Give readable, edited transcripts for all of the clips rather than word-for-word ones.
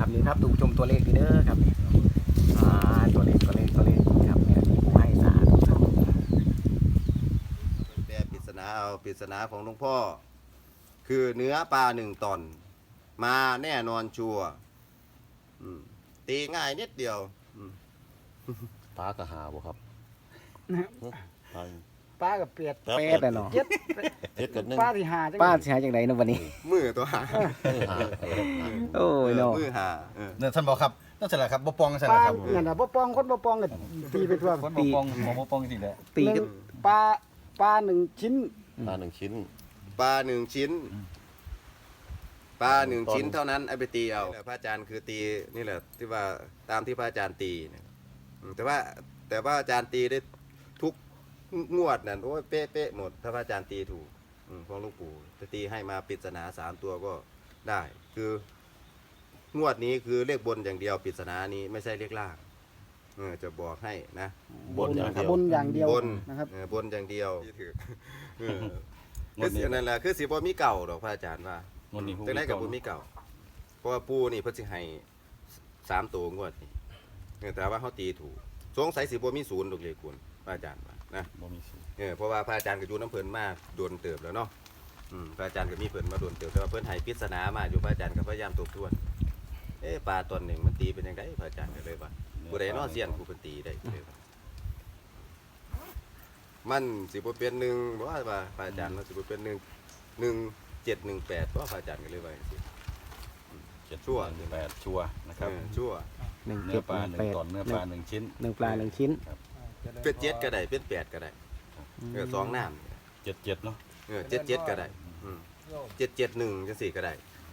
รือครับดูชมตัวเลขดีเด้อครับตัวเลขครับเนี่ยที่ผู้ให้สาธุสาธุแปลปริศนาเอาปริศนาของหลวงพ่อคือเนื้อปลา1 ตอนมาแน่นอนชัวร์ตีง่ายนิดเดียวปลากระหาบ่ครับปลาป้ากับเปียดเป็ดอะเนาะเจ็ดเฮ็ดกันนึงป้าที่หาจังป้าสิหาจังไดเนาะวันนี้มือตัวหาหาโอ้ยเนาะมือหาเนี่ยท่านบอกครับนั่นเสร็จแล้วครับบ่ปองเสร็จป้าแล้วครับนั่นน่ะบ่ปองคนบ่ปองก็ตีไปทั่วคนบ่ปองหมอบ่ปองจริงๆแหละตีกันปลาหนึ่งชิ้นปลา1 ชิ้นปลา1 ชิ้นปลา1 ชิ้นเท่านั้นเอาไปตีเอาพระอาจารย์คือตีนี่แหละที่ว่าตามที่พระอาจารย์ตีเนี่ยแต่ว่าอาจารย์ตีได้ทุกงวดนั่นโอ้ยเป๊ะหมดถ้าพระอาจารย์ตีถูกของหลวงปู่จะตีให้มาปริศนา3 ตัวก็ได้ คืองวดนี้คือเลขบนอย่างเดียวปริศนานี้ไม่ใช่เลขล่างจะบอกให้นะบนอย่างเดียวบนอย่างเดียวบนนะครับบนอย่างเดียวคือนั่นแหละคือสิบ่มีเก่าดอกพระอาจารย์ว่าวันนี้จังไดกับบ่มีเก่าเพราะว่าปู่นี่เพิ่นสิให้3 ตัวงวดนี่แต่ว่าเฮาตีถูกสงสัยสิบ่มีศูนย์ดอกเลยคุณพระอาจารย์ว่านะบ่มีสิเพราะว่าพระอาจารย์ก็อยู่น้ำเพิ่นมาโดนเติบแล้วเนาะพระอาจารย์ก็มีเพิ่นมาโดนเติบแต่ว่าเพิ่นให้ปริศนามาอยู่พระอาจารย์ก็พยายามทบทวนปลาตัวหนึ่งมันตีเป็นจังไดพระอาจารย์ก็เลยว่าผู้ใดเนาะเซียนผู้เพิ่นตีได้เลยว่ามันสิบ่เป็น1บ่ว่าพระอาจารย์มันสิบ่เป็น1718เพราะพระอาจารย์ก็เลยว่าจังซี่ ชั่ว 8ชัวร์นะครับชั่วหนึ่งเนื้เจ็อดปลาหนึ่งแปด 1 ตอนเนื้อปลา1 ชิ้นหนึ่งปลา1 ชิ้นเป็น7ก็ได้เป็น8ก็ได้2น้ำ 77เนาะ 77ก็ได้771จังซี่ก็ได้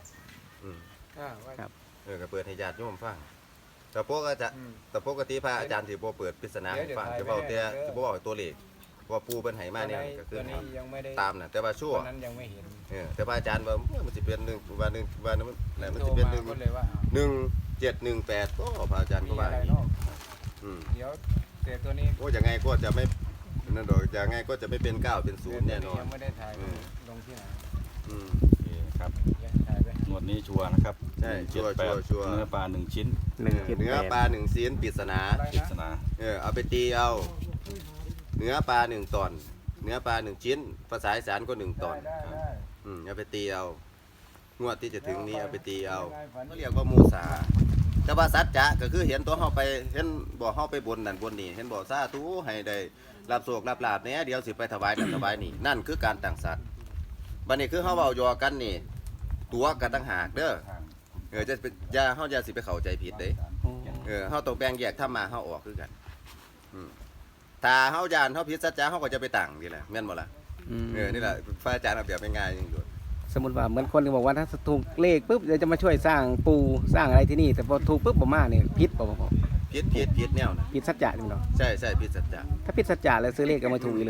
ก็เปิดให้ญาติโยมฟังแต่ปกติพระอาจารย์สิบ่เปิดปริศนาให้ฟังจะเว้าแต่สิบ่เว้าตัวเลขเพราะว่าปู่เพิ่นให้มาเนี่ยก็คือนี้ยังไม่ได้ตามน่ะแต่ว่าชั่วตอนนั้นยังไม่เห็นแต่พระอาจารย์ว่ามันสิเป็น1ว่ามันโทสิรเป็นมาก็เลยว่า 1718ก็พระอาจารย์มีก็ว่าอะไรอย่างนี้เนาะเดี๋ยวแต่ตัวนี้โอ้ยังไงก็จะไม่นั่นดอกยังไงก็จะไม่เป็น9เป็น0แน่นอนยังไม่ได้ถ่ายลงที่ไหนโอเคครับยังถ่ายไปงวดนี้ชัวร์นะครับใช่ชัวร์ 178เนื้อปลา1 ชิ้น 178 เนื้อปลา1 ชิ้นปริศนาอะไรปรินะศนาเอาไปตีเอาเนื้อปลา1 ตอนเนื้อปลา1 ชิ้นภาษาอีสานก็1 ตอนได้เอาไปตีเอางวดที่จะถึงนี้เอาไปตีเอาเขาเรียกว่ามูสาแต่ว่าสัจจะก็คือเห็นตัวเฮาไปเห็นบ่เฮาไปบนนั่นบนนี่เห็นบ่สาธุให้ได้รับโชครับลาภแหน่เดี๋ยวสิไปถวายนั่นถวายนี่นั่นคือการตั้งสัตว์บัดนี้คือเฮาเว้าหยอกกันนี่ตัวกันต่างหากเด้อจะเฮาอย่าสิไปเข้าใจผิดเด้เฮาต้องแบ่งแยกธรรมะเฮาออกคือกันถ้าเฮาย่านเฮาผิดสัจจะเฮาก็จะไปตั้งนี่แหละแม่นบ่ล่ะนี่แหละพระอาจารย์เอาแบบง่ายๆอย่างนี้สมมติว่าเหมือนคนที่บอกว่าถ้าถูกเลขปุ๊บเดี๋ยวจะมาช่วยสร้างปูสร้างอะไรที่นี่แต่พอถูกปุ๊บบ่มาเนี่ยพิษบ่ผิดแนวนะพิษสัจจะจริงเนาะใช่ผิดสัจจะถ้าพิษสัจจะแล้วซื้อเลขก็ไม่ถูกอีกเลย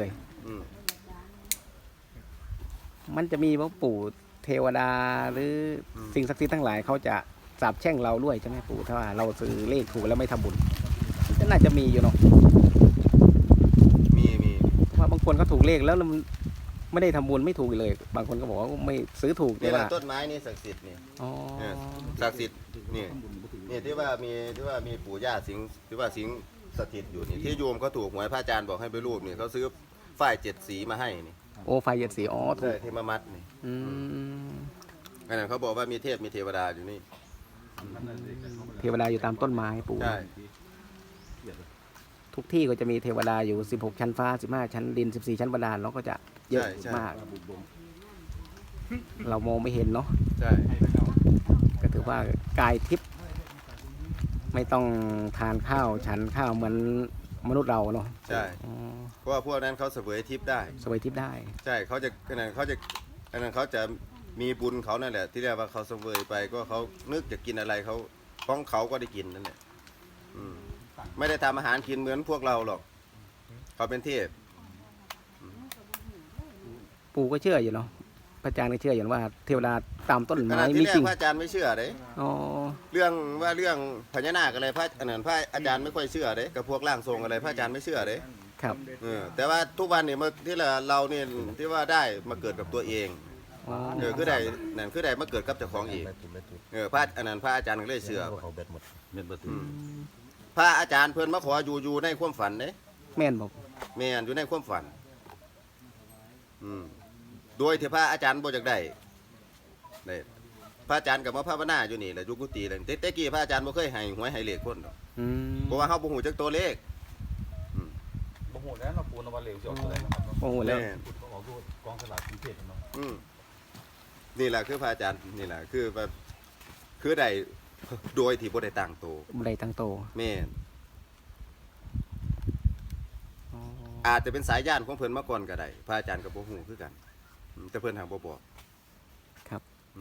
มันจะมีว่าปู่เทวดาหรือสิ่งศักดิ์สิทธิ์ทั้งหลายเขาจะสาปแช่งเราด้วยใช่ไหมปู่ถ้าว่าเราซื้อเลขถูกแล้วไม่ทำบุญก็น่าจะมีอยู่เนาะมีเพราะว่าบางคนเขาถูกเลขแล้วมันไม่ได้ทำบุญไม่ถูกเลย บางคนก็บอกว่าไม่ซื้อถูกแต่นี่แหละว่าต้นไม้นี่ศักดิ์สิทธิ์นี่อ๋อศักดิ์สิทธิ์นี่ที่ว่ามีปู่ย่าสิงที่ว่าสิงสถิตอยู่นี่ที่โยมเขาถูกหวยพระอาจารย์บอกให้ไปรูปนี่เขาซื้อฝ้าย7 สีมาให้นี่โอ้ไฟเย็นสีอ๋อถูใช่กที่มามัดนี่อืมอันนั้นเขาบอกว่ามีเทพมีเทวดาอยู่นี่เทวดาอยู่ตามต้นไม้ปู่ใช่ทุกที่ก็จะมีเทวดาอยู่16ชั้นฟ้า15ชั้นดิน14ชั้นบาดาลเนาะก็จะเยอะมาก เรามองไม่เห็นเนาะใช่ก็ถือว่ากายทิพย์ไม่ต้องทานข้าวฉันข้าวเหมือนมนุษย์เราเนาะใช่อ๋อเพราะว่าพวกนั้นเขาเสวยทิพย์ได้สวยทิพย์ได้ใช่เขาจะมีบุญเขานั่นแหละที่เรียกว่าเขาเสวยไปก็เขานึกจะกินอะไรเขาของเขาก็ได้กินนั่นแหละไม่ได้ทำอาหารกินเหมือนพวกเราหรอกเขาเป็นเทพปู่ก็เชื่ออยู่เนาะพระอาจารย์ก็เชื่ออยู่ว่าเทวดาตามต้นขไม้ณะมีที่แรจริกงพระอาจารย์ไม่เชื่อเด้อ๋อเรื่องพญานาคอะไรพระอาจารย์ไม่ค่อยเชื่อเด้กับพวกร่างทรงอะไรพระอาจารย์ไม่เชื่อเด้ครับแต่ว่าทุกวันเนี่ยที่เราเนี่ยที่ว่าได้มาเกิดกับตัวเองอ๋อคือได้นั่นคือได้มาเกิดกับเจ้าของเองพระอันนั้นพระอาจารย์ก็เลยเชื่อเขาเบ็ดหมดเม็ดบ่ถึงพระอาจารย์เพิ่นมาขออยู่ในความฝันเด้แม่นบอกแม่นอยู่ในความฝันโดยที่พระอาจารย์บ่อยากได้นี่พระอาจารย์ก็มาภาวนาอยู่นี่แหละอยู่กุฏินั่นแต่กี้พระอาจารย์บ่เคยให้หวยให้เลขคนดอกอืมเพราะว่าเฮาบ่ฮู้จักตัวเลขบ่ฮู้แล้วเนาะปูนว่าเหลวสิออกตัวใดนะครับเนาะโอ้โหแล้วแม่นเขาออกดูกองสลากกรุงเทพเนาะนี่แหละคือพระอาจารย์นี่แหละคือแบบคือได้โดยที่บ่ได้ตั้งตัวบ่ได้ตั้งโตแม่นอ๋ออาจจะเป็นสายญาณของเพิ่นมาก่อนก็ได้พระอาจารย์ก็บ่ฮู้คือกันแต่เพิ่นหางบ่บอกครับ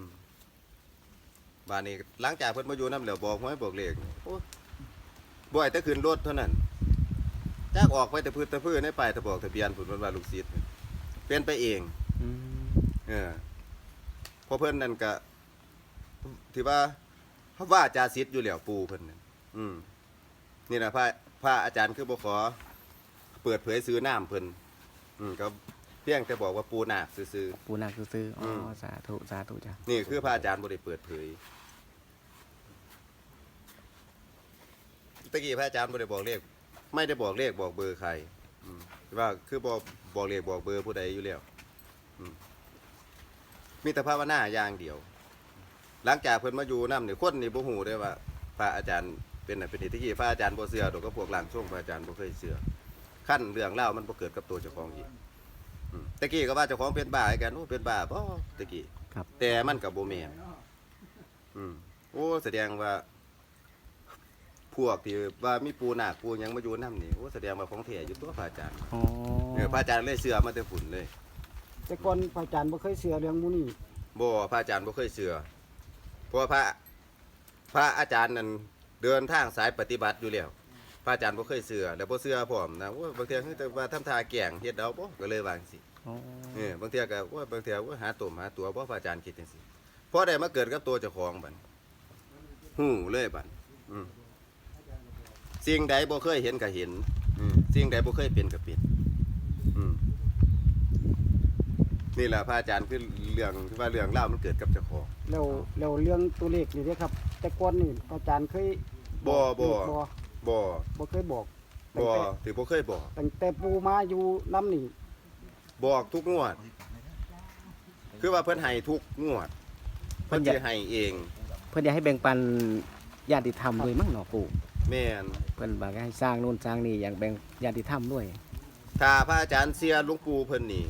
บ้านนี้หลังจากเพิ่นมาอยู่นำแล้วบอกหวยบอกเลขโอ้บ่ให้แต่ขึ้นรถเท่านั้นจากออกไปแต่พื้นแต่พื้นในป้ายทะบอกทะเบียนพุ่นเพิ่นว่าลูกศิษย์เป็นไปเองอืมเพราะเพิ่นนั่นก็ที่ว่าจาศิษย์อยู่แล้วปู่เพิ่นนั่นนี่นะพระอาจารย์คือบ่ขอเปิดเผยซื้อน้ำเพิ่นก็เพียงแต่บอกว่าปู่นาคซื่อปูนาคซื้อๆอ๋อสาธุสาธุจ้ะๆนี่คือพระอาจารย์บ่ได้เปิดเผยตะกี้พระอาจารย์บ่ได้บอกเลขไม่ได้บอกเลขบอกเบอร์ใครว่าคือบอกเลขบอกเบอร์ผู้ใดอยู่แล้วมีแต่ภาวนาอย่างเดียว หลังจากเพิ่นมาอยู่นำนี่คนนี่บ่ฮู้ได้ว่าพระอาจารย์เป็นน่ะเป็นนี่ตะกี้พระอาจารย์บ่เชื่อดอกก็พวกร่างทรงพระอาจารย์บ่เคยเชื่อขั้นเรื่องเล่าวมันบ่เกิดกับตัวเจ้าของอีกตะกี้ก็ว่าเจ้าของเป็นบ้าให้กันโอ้เป็นบ้าบ่ตะกี้ครับแต่มันก็บ่แม่นโอ้แสดงว่า พวกที่ว่ามีปูนาคปูหยังมาอยู่นำนี่โอ้แสดงว่าของแท้อยู่ตัวพระอาจารย์อ๋อพระอาจารย์เลยเชื่อมาแต่ฝุ่นเลยแต่ก่อนพระอาจารย์บ่เคยเชื่อเรื่องหมู่นี้บ่พระอาจารย์บ่เคยเชื่อเพราะว่าพระอาจารย์นั้นเดินทางสายปฏิบัติอยู่แล้วพระอาจารย์บ่เคยเชื่อแล้วบ่เชื่อพร้อมนะโอ้ยบางเทื่อคือแต่ว่าทำท่าแกล้งเฮ็ดเอาบ่ก็เลยวาจังซี่อ๋อบางเทื่อก็โอ้ยบางเทื่อว่าหาตุ่มหาตัวบ่พระอาจารย์คิดจังซี่พอได้มาเกิดกับตัวเจ้าของบัดฮู้เลยบัดสิ่งใดบ่เคยเห็นก็เห็นสิ่งใดบ่เคยเป็นก็เป็นนี่แหละพระอาจารย์คือเรื่องที่ว่าเรื่องเล่าวมันเกิดกับเจ้าของแล้วเรื่องตัวเลขนี่เด้ครับ แต่ก่อนนี่อาจารย์เคยบ่บ่บ่เคยบอกบ่ที่บ่เคยบอกตั้งแต่ปู่มาอยู่น้ำนี่บอกทุกงวด คือว่าเพิ่นให้ทุกงวด เพิ่นสิให้เองเพิ่นอยากให้แบ่งปันญาติธรรมด้วยมั้งเนาะปู่แม่นเพิ่นบอกให้สร้างนู่นสร้างนี่อย่างแบ่งญาติธรรมด้วยถ้าพระอาจารย์เสียหลวงปู่เพิ่นนี่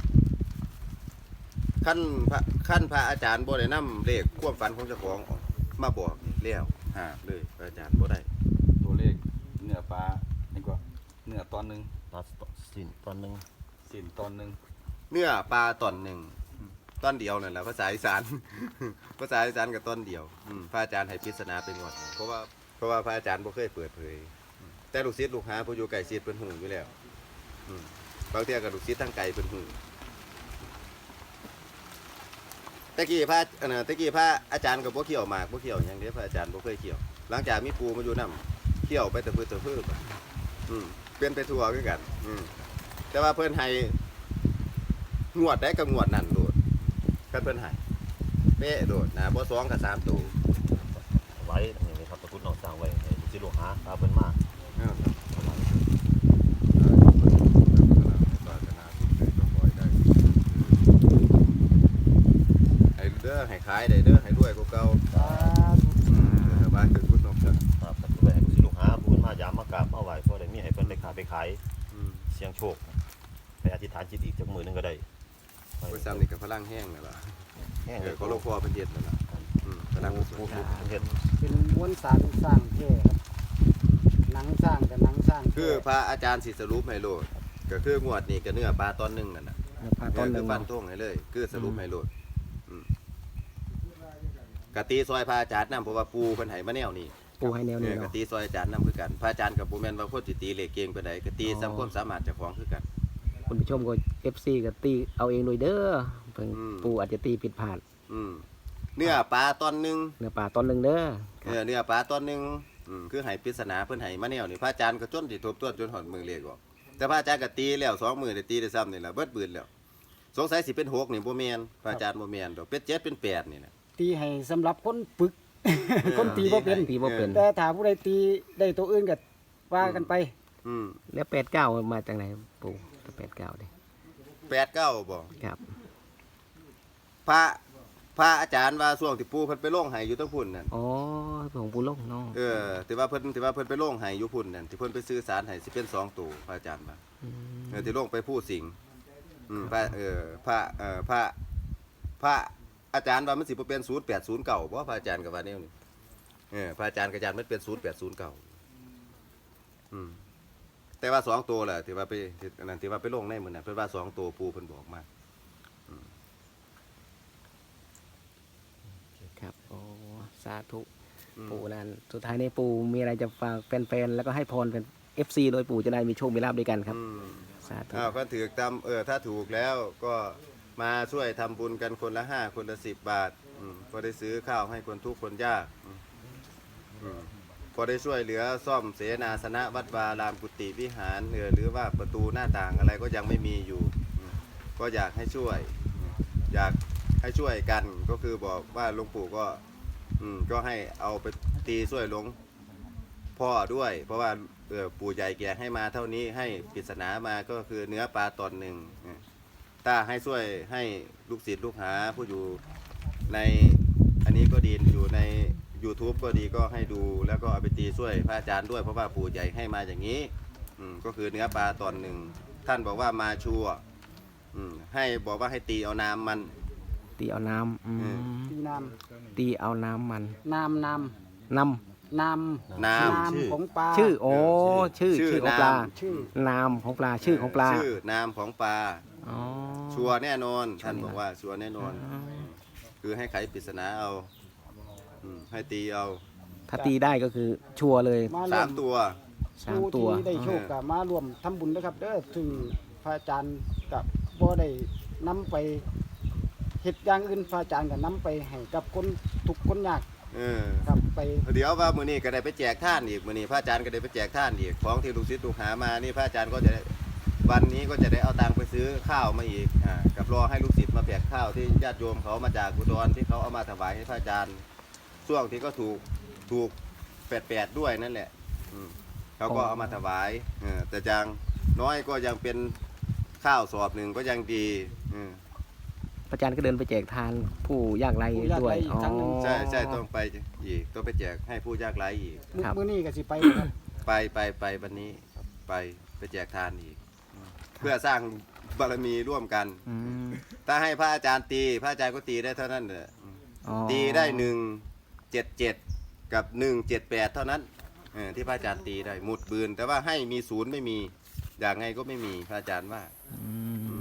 ขั้นพระอาจารย์บ่ได้นำเลขความฝันของเจ้าของออกมาบอกนี่แล้วหาบเลยพระอาจารย์บ่ได้ตัวเลขเนื้อปลานี่ก็เนื้อตอนหนึงปลาสิ้นตอนหนึงสินตอนหนึงเนื้อปลาตอนหนึ่งตอนเดียวนั่นแหละภาษาอีสาน ภาษาอีสานกับตอนเดียวพระอาจารย์ให้ปริศนาเป็นงวดเพราะว่าพระอาจารย์บ่เคยเปิดเผยแต่ลูกศิษย์ลูกหาผู้อยู่ไกลชิดเพิ่นฮู้อยู่แล้วบางเที่ยก็ลูกศิษย์ทางไกลเพิ่นฮู้ตะกี้พระอาจารย์ก็บ่เขี่ยวหมากบ่เขี่ยวหยังเด้พระอาจารย์บ่เคยเขี่ยวหลังจากมีปู่มาอยู่นำเขี่ยวไปแต่พื้นเปลี่ยนไปทั่วคือกันแต่ว่าเพิ่นให้งวดได้กับงวดนั่นโดดคันเพิ่นให้เป๊ะโดดนะบ่2กับ3ตัวไว้อย่างนี้ครับตะกุดน้องสร้างไว้ให้ลูกศิษย์ลูกหาตาเพิ่นมาให้เด้อให้ขายได้เด้อให้รวยกว่าเก่าบ้านคือพุทธนกครับครับตะกุดไว้ให้ลูกศิษย์ลูกหาผู้เพิ่นมายามมากราบมาไหว้พอได้มีให้เพิ่นได้ค้าไปขายเสี่ยงโชคไปอธิษฐานจิตอีกจักมื้อหนึงก็ได้ผู้ซ้ำนี่ก็พลังแห้งนั่นล่ะแห้งเลยก็หลวงพ่อเพิ่นเฮ็ดนั่นล่ะพลังผู้เฮ็ดเป็นม้วนสารสร้างแท้ครับหนังสร้างกับหนังสร้างแท้คือพระอาจารย์สิสรุปให้โลดก็คืองวดนี้ก็เนื้อปลาตอนหนึงนั่นน่ะพาต้นหคืนึ่อง ฟันเนาะธงให้เลย คือสรุปให้โลดกะตีซอยพระอาจารย์นำเพราะว่าปูเพิ่นให้มาแนวนี้ปู่ให้แนวนี้กะเนาะตีซอยอาจารย์นำคือกันพระอาจารย์กับบ่แม่นว่าคนสิตีเลขเก่งปานใดกะตีซ้ำความสามารถเจ้าของคือกันคุณผู้ชมก็ FC ก็ตีเอาเองโดยเด้อเพิ่นปู่อาจจะตีผิดพลาดเนื้อปลาตอนหนึงเนื้อปลาต้นหนึงเด้อเนื้อปลาตอนหนึงคือให้ปริศนาเพิ่นให้มาแนวนี่พระอาจารย์ก็จนสิทบทวนจนฮอดมือเลขออกแต่พระอาจารย์ก็ตีแล้ว2มื้อได้ตีได้ซ้ำนี่ล่ะเบิดปืนแล้วสงสัยสิเป็น6นี่บ่แม่นพระอาจารย์บ่แม่นดอกเป็น7เป็น8นี่นะตีให้สำหรับคนปึก คนตีบ่เป็นตีบ่เป็นแต่ถ้าผู้ใดตีได้ตัวอื่นก็ว่ากันไปอืมแล้ว89มาจากไหนปู่89ดิ 8 9บ่ครับพระอาจารย์ว่าช่วงที่ปู่เพิ่นไปลงให้อยู่ทั้งพุ่นนั่นอ๋อของปู่ลงเนาะที่ว่าเพิ่นไปลงให้อยู่พุ่นนั่นที่เพิ่นไปซื้อสารให้สิเป็น2ตัวพระอาจารย์ว่าอืมที่ลงไปผู้สิงห์พระอาจารย์ว่ามันสิบ่เป็น0809บ่พระอาจารย์ก็ว่าแนวนี้พระอาจารย์ก็ยันมันเป็น0809แต่ว่า2ตัวแหละที่ว่าไปอันนั้นที่ว่าไปลงในมื้อนั้นเพิ่นว่า2ตัวปู่เพิ่นบอกมาครับโอ้สาธุปู่นั่นสุดท้ายนี้ปู่มีอะไรจะฝากแฟนๆแล้วก็ให้พรเป็น FC โดยปู่จะได้มีโชคมีลาภด้วยกันครับสาธุก็ถือตามถ้าถูกแล้วก็มาช่วยทำบุญกันคนละ5คนละ10 บาทก็ได้ซื้อข้าวให้คนทุกข์คนยากพอได้ช่วยเหลือซ่อมเสนาสนะวัดวารามกุฏิวิหารหรือว่าประตูหน้าต่างอะไรก็ยังไม่มีอยู่ก็อยากให้ช่วยอยากให้ช่วยกันก็คือบอกว่าหลวงปู่ก็ให้เอาไปตีช่วยหลวงพ่อด้วยเพราะว่าปู่ใหญ่แกให้มาเท่านี้ให้ปริศนามาก็คือเนื้อปลาตอนหนึ่งถ้าให้ช่วยให้ลูกศิษย์ลูกหาผู้อยู่ในอันนี้ก็ดีอยู่ใน YouTube ก็ดีก็ให้ดูแล้วก็เอาไปตีช่วยพระอาจารย์ด้วยเพราะว่าปู่ใหญ่ให้มาอย่างนี้ก็คือเนื้อปลาตอนหนึ่งท่านบอกว่ามาชัวให้บอกว่าให้ตีเอาน้ำมันตีเอาน้ำตีน้ตีเอาน้ำมันำน้ำน้น้ำน้ำน้ำชื่อของปลาำชื่อโอ้ชื่อของปลาชื่อน้ำของปลาชื่อของปลาชื่อน้ำของปลาอ๋อชัวร์แน่นอนท่านบอกว่าชัวร์แน่นอน คือให้ไขปริศนาเอาให้ตีเอาถ้าตีได้ก็คือชัวร์เลยมารวม 3 ตัวสามผู้ตัวที่ได้โชคกับมารวมทำบุญนะครับเด้อถึงพระอาจารย์กับบ่ได้นำไปเฮ็ดอย่างอื่นพระอาจารย์ก็นำไปให้กับคนทุกข์คนยากครับไปเดี๋ยวว่ามื้อนี้ก็ได้ไปแจกท่านอีกมื้อนี้พระอาจารย์ก็ได้ไปแจกท่านอีกของที่ลูกศิษย์ลูกหามานี่พระอาจารย์ก็จะได้วันนี้ก็จะได้เอาตังค์ไปซื้อข้าวมาอีกกับรอให้ลูกศิษย์มาแจกข้าวที่ญาติโยมเขามาจากอุดรที่เขาเอามาถวายให้พระอาจารย์ช่วงที่ก็ถูก88ด้วยนั่นแหละเขาก็เอามาถวายแต่ยังน้อยก็ยังเป็นข้าวสอบหนึ่งก็ยังดีพระอาจารย์ก็เดินไปแจกทานผู้ยากไร้ผู้ยากด้วยไร้อีกครั้งหนึ่งใช่ต้องไปอีกต้องไปแจกให้ผู้ยากไร้อีกครับมื้อนี้ก็สิไปครับไปวันนี้ไปแจกทานอีก เพื่อสร้างบารมีร่วมกันอืมถ้าให้พระอาจารย์ตีพระอาจารย์ก็ตีได้เท่านั้นแหละอ๋อตีได้177กับ178เท่านั้นที่พระอาจารย์ตีได้หมุดบืนแต่ว่าให้มีศูนย์ไม่มีอย่างไงก็ไม่มีพระอาจารย์ว่าอืม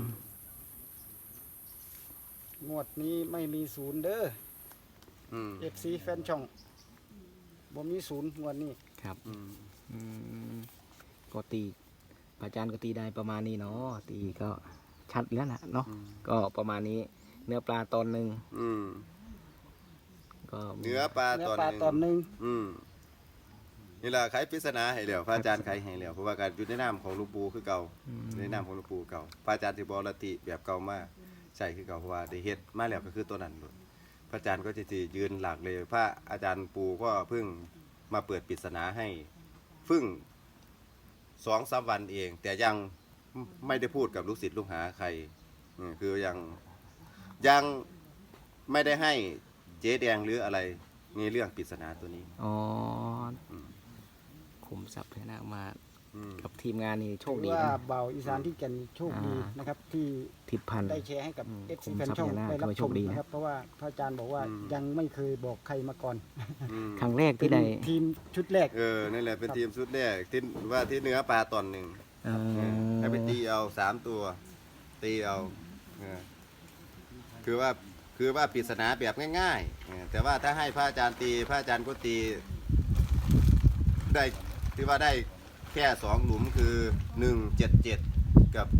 งวดนี้ไม่มีศูนย์เด้ออืม FC แฟนช่องบ่มีศูนย์งวดนี้ครับอืมอืมก็ตีพระอาจารย์ก็ตีได้ประมาณนี้เนาะตีก็ชัดแล้วนะเนาะก็ประมาณนี้เนื้อปลาตอนหนึ่งอืมก็มีเนื้อปลาเนื้อตอนปลาหนึ่งตอนหนึงนี่แหละไขปริศนาให้แล้วพระอาจารย์ไขให้แล้วเพราะว่าการอยู่ในน้ำของหลวงปู่คือเก่าในน้ำของหลวงปู่เก่าพระอาจารย์สิบรติแบบเก่ามากใช่คือเก่าเพราะว่าได้เฮ็ดมาแล้วก็คือตัวนั้นเลยพระอาจารย์ก็จะยืนหลักเลยพระอาจารย์ปู่ก็เพิ่งมาเปิดปริศนาให้เพิ่ง2-3 วันเอง แต่ยังไม่ได้พูดกับลูกศิษย์ลูกหาใครคือยังไม่ได้ให้เจ๊แดงหรืออะไรในเรื่องปริศนาตัวนี้อ๋ออมคุมทรัพย์พญานาคมาอืมกับทีมงานนี่โชคถืดีอว่านะเบาอีสานที่แก่นโชคดีนะครับที่ทิพย์พันธุ์ได้แชร์ให้กับ FC ผมแฟนช่องทรัพย์พญานาคได้รับก็โชชมคดีนะนะครับเพราะว่าพระอาจารย์บอกว่ายังไม่เคยบอกใครมาก่อนอืมครั้งแรกที่ได้เป็นทีมชุดแรกนั่นแหละเป็นทีมชุดแรกที่ว่าที่เนื้อปลาตอนหนึ่งเอ่อให้ไปตีเอา3 ตัวตีเอาคือว่าปริศนาแบบง่ายๆแต่ว่าถ้าให้พระอาจารย์ตีพระอาจารย์ก็ตีได้ที่ว่าได้แค่2 หลุมคือ177กับ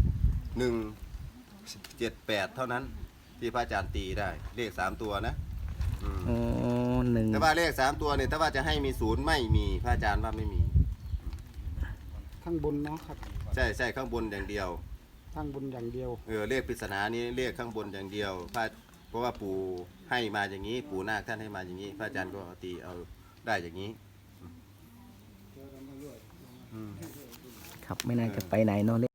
178เท่านั้นที่พระอาจารย์ตีได้เลข3 ตัวนะอ๋อหนึ่งแต่ว่าเลข3 ตัวเนี่ยถ้าว่าจะให้มีศูนย์ไม่มีพระอาจารย์ว่าไม่มีข้างบนเนาะครับใช่ข้างบนอย่างเดียวข้างบนอย่างเดียวเลขปริศนานี้เลขข้างบนอย่างเดียวเพราะว่าปู่ให้มาอย่างนี้ ปู่นาคท่านให้มาอย่างนี้ พระอาจารย์ก็ตีเอาได้อย่างนี้ครับไม่น่าจะไปไหนเนาะ